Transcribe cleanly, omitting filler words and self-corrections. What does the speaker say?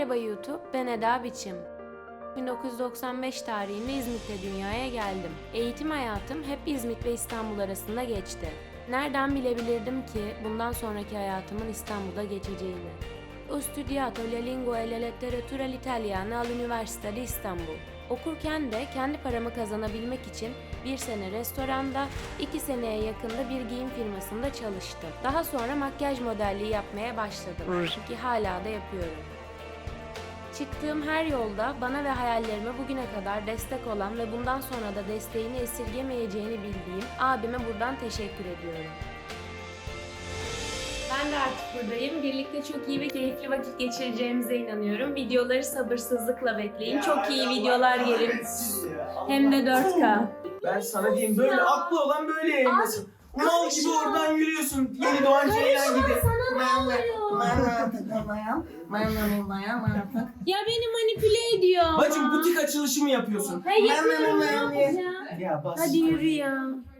Merhaba YouTube, ben Eda Biçim. 1995 tarihinde İzmit'te dünyaya geldim. Eğitim hayatım hep İzmit ve İstanbul arasında geçti. Nereden bilebilirdim ki bundan sonraki hayatımın İstanbul'da geçeceğini? Ho studiato la lingua e la letteratura l'italiana all'Università di İstanbul. Okurken de kendi paramı kazanabilmek için bir sene restoranda, 2 seneye yakında bir giyim firmasında çalıştım. Daha sonra makyaj modelliği yapmaya başladım ki hala da yapıyorum. Çıktığım her yolda bana ve hayallerime bugüne kadar destek olan ve bundan sonra da desteğini esirgemeyeceğini bildiğim abime buradan teşekkür ediyorum. Ben de artık buradayım. Birlikte çok iyi ve keyifli vakit geçireceğimize inanıyorum. Videoları sabırsızlıkla bekleyin. Çok iyi videolar gelir. Hem de 4K. Ben sana diyeyim, böyle aklı olan böyle yayınlasın. Mal gibi oradan yürüyorsun. Yeni doğan şeyler gibi. Ya beni manipüle ediyor. Bacım butik açılışı mı yapıyorsun? Hayır, yapıyorum. Ya bas. Hadi yürü ya.